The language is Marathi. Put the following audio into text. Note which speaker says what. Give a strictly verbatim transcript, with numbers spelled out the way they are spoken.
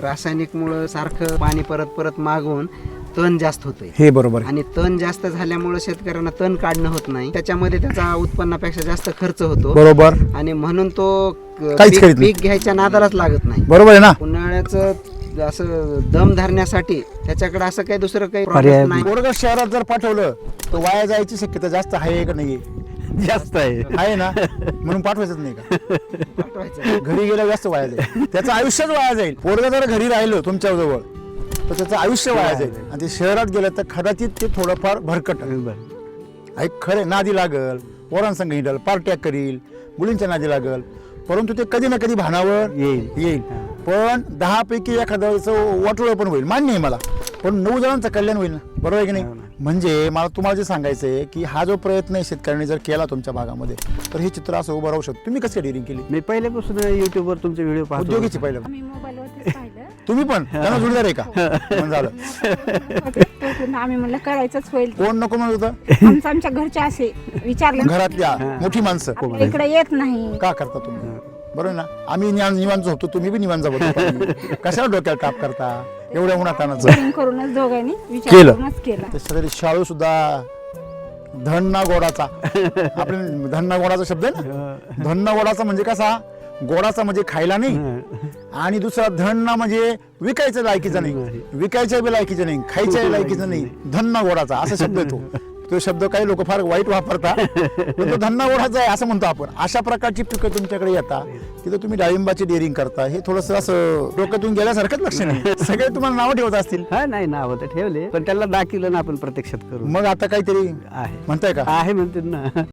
Speaker 1: रासायनिक मुळे सारखं पाणी परत परत मागवून तण जास्त होतंय
Speaker 2: हे बरोबर आहे.
Speaker 1: आणि तण जास्त झाल्यामुळे शेतकऱ्यांना तण काढणं होत नाही, त्याच्यामध्ये त्याचा उत्पन्नापेक्षा जास्त खर्च होतो
Speaker 2: बरोबर
Speaker 1: आणि म्हणून तो क-
Speaker 2: काहीच
Speaker 1: पीक
Speaker 2: करीत नाही.
Speaker 1: पीक घ्यायच्या नादालाच लागत नाही.
Speaker 2: बरोबर आहे ना.
Speaker 1: उन्हाळ्याचं असं दम धरण्यासाठी त्याच्याकडे असं काही दुसरं काही
Speaker 3: पर्याय
Speaker 1: product नाही.
Speaker 2: पोरगं शहरात जर पाठवलं तर वाया जायची शक्यता जास्त आहे का नाही?
Speaker 3: जास्त आहे.
Speaker 2: आहे ना, म्हणून पाठवायचंच नाही का?
Speaker 1: पाठवायचं.
Speaker 2: घरी गेल्यावर जास्त वाया जाईल, त्याचं आयुष्यच वाया जाईल. पोरगं जर घरी राहिलं तुमच्या जवळ तर त्याचं आयुष्य वाया जाईल आणि ते शहरात गेलं तर कदाचित ते थोडंफार भरकट आहे. खरे नादी लागल, पोरांसंग हिंडल, पार्ट्या करील, मुलींच्या नादी लागल, परंतु ते कधी ना कधी भानावर
Speaker 3: येईल.
Speaker 2: येईल. पण दहा पैकी एखाद्याचं वाटोळं पण होईल, मान्य आहे मला, पण नऊ जणांचं कल्याण होईल ना, बरोबर आहे की नाही? म्हणजे मला तुम्हाला जे सांगायचं आहे की हा जो प्रयत्न आहे शेतकऱ्यांनी जर केला तुमच्या भागामध्ये तर हे चित्र असं उभं राहू शकतं. तुम्ही कसं डेअरिंग केली?
Speaker 3: मी पहिल्यापासून युट्यूबवर तुमचे व्हिडिओ पाहतो.
Speaker 2: उद्योगीची पहिलं
Speaker 4: आम्ही मोबाईलवरतीच पाहिलं.
Speaker 2: तुम्ही पण त्यांना जोडीदार आहे का? पण झालं.
Speaker 4: त्यातून आम्ही म्हणलं करायचंच होईल.
Speaker 2: कोण नको म्हणत होतं?
Speaker 4: आमचं आमच्या घरचे असे विचारलं
Speaker 2: घरातल्या मोठी माणसं
Speaker 4: आपल्या इकडे येत नाही.
Speaker 2: का करता तुम्ही? बरोबर ना, आम्ही निवांत निवांत झोपतो, तुम्ही बी निवांत झोपतो. कशाला डोक्याला ताप करता एवढ्या उन्हातानाचं?
Speaker 4: Sharing करूनच दोघांनी विचार
Speaker 2: केलं.
Speaker 4: करूनच केला.
Speaker 2: त्याच्यासाठी शाळू सुद्धा धन्ना गोडाचा, आपल्या धन्ना गोडाचा शब्द आहे ना. धन्ना गोडाचा म्हणजे कसा? गोडाचा म्हणजे खायला नाही, आणि दुसरा धन्ना म्हणजे विकायचं लायकीचं नाही, विकायच्या बी लायकीचं नाही, खायच्या लायकीचं नाही. धन्ना गोडाचा असा शब्द येतो. तो शब्द काही लोक फार वाईट वापरतात, पण तो धन्ना गोडाचा आहे असं म्हणतो आपण. अशा प्रकारची पिकं तुमच्याकडे येतात, तिथं तुम्ही डाळिंबाची डेअरिंग करता, हे थोडंसं असं डोक्यातून गेल्यासारखंच लक्ष नाही. सगळे तुम्हाला नावं ठेवत असतील.
Speaker 3: हा नाही नाव तर ठेवले, पण त्याला दाखवलं ना आपण प्रत्यक्षात करू.
Speaker 2: मग आता काहीतरी
Speaker 3: आहे
Speaker 2: म्हणताय का?
Speaker 3: आहे म्हणते ना.